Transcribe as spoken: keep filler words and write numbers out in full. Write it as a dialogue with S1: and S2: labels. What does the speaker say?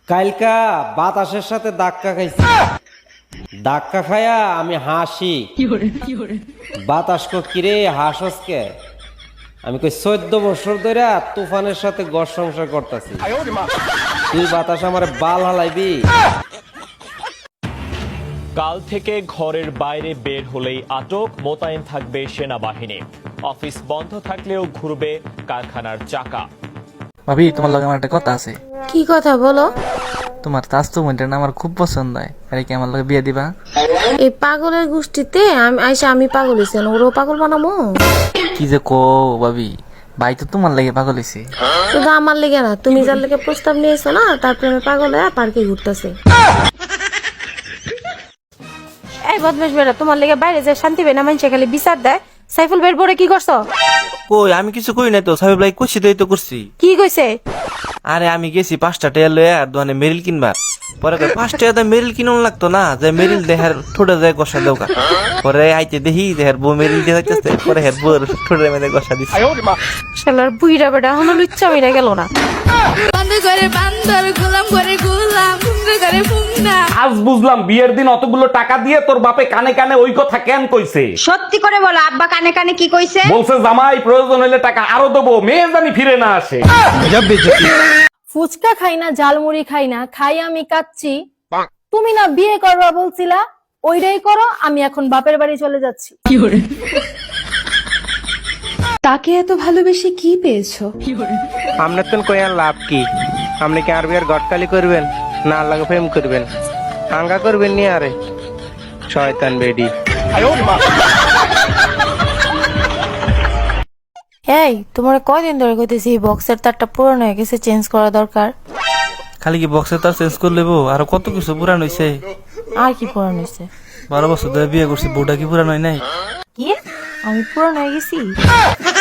S1: কালকা বাতাসের সাথে ধাক্কা খাইছি, ধাক্কা খায়া আমি হাসি। বাতাস কো কিরে হাসস কে? আমি কই চোদ্দ বছর ধরে তুফানের সাথে ঘর সংসার করতেছি, তুই বাতাস আমার বাল হালাইবি?
S2: কাল থেকে ঘরের বাইরে বের হলেই আটক, মোতায়েন থাকবে সেনাবাহিনী। অফিস বন্ধ থাকলেও ঘুরবে কারখানার চাকা।
S3: ভাবি, তোমার লগে আমার একটা কথা আছে।
S4: কি কথা বলো?
S3: তোমার তাস্তু মনটা না আমার খুব পছন্দ হয়, আরে কি আমার লগে বিয়ে দিবা?
S4: এই পাগলের গোষ্ঠীতে আমি আইসা আমি পাগল হইছি, ওরও পাগল বানামো?
S3: কি যে কো ভাবি, ভাই তো তোমার লাগে পাগল হইছে।
S4: শুধু আমার লেগে না, তুমি যার লেগে প্রস্তাব নিয়েছো না, তার প্রেমে পাগল হয়ে পার্কে ঘুরতেছে। এই বদমাশ বেড়া, তোমার লেগে বাইরে যে শান্তি পাই না, মানুষে খালি বিচার দেয়। সাইফুল বের পরে কি করছো?
S5: কই আমি কিছু কই নাই তো, সাহেব লাই কইছি তো, এই তো করছি।
S4: কি কইছে?
S5: আরে আমি গেছি পাঁচটা টাকা লয়ে আর দোকানে মেরিল কিনবা, পরে কই পাঁচ টাকা মেরিল কিনুন লাগতো না, যে মেরিল দেহার ঠোঁটে যায় গসা দেওকা। পরে আইতে দেখি দেহার বউ মেরিল দিয়ে থাকতেছে, পরে হের বউর ঠোঁটে মেরে গসা দিছে।
S4: শালার বুইড়া বেটা এখনো লুচ্চা মিরা গেল না।
S6: আজ বুঝলাম বিয়ের দিন অতগুলো টাকা দিয়ে তোর বাপে কানে কানে ওই কথা কেন কইছে।
S7: সত্যি করে বলো, আব্বা কানে কানে কি কইছে?
S6: বলছে জামাই প্রয়োজন হলে টাকা আরো দেবো, মেয়ে জানি ফিরে না আসে।
S8: ফুচকা খাই না, ঝালমুড়ি খাই না, খাই আমি কাচ্ছি। তুমি না বিয়ে করবা বলছিলা, ওইটাই করো। আমি এখন বাপের বাড়ি চলে যাচ্ছি।
S9: তাকে এত ভালোবেসে কি পেয়েছো?
S10: আপনার তো কয়ার লাভ কি? আপনি কি আর বিয়ার গটকালি করবেন না আল্লাহকে প্রেম করবেন? আঙ্গা করবেন নি আরে শয়তান বেডি।
S4: এই তোমার কয়দিন ধরে কইতেছি এই বক্সের তারটা পুরনো হয়ে গেছে, চেঞ্জ করা দরকার।
S5: খালি কি বক্সে তার চেঞ্জ করে লেবো? আরো কত কিছু পুরান হইছে।
S4: আর কি পুরানো হয়েছে?
S5: বারো বছর ধরে বিয়ে করছি, বউটা কি পুরান হয় নাই?
S4: কি আমি পুরানো হয়ে গেছি?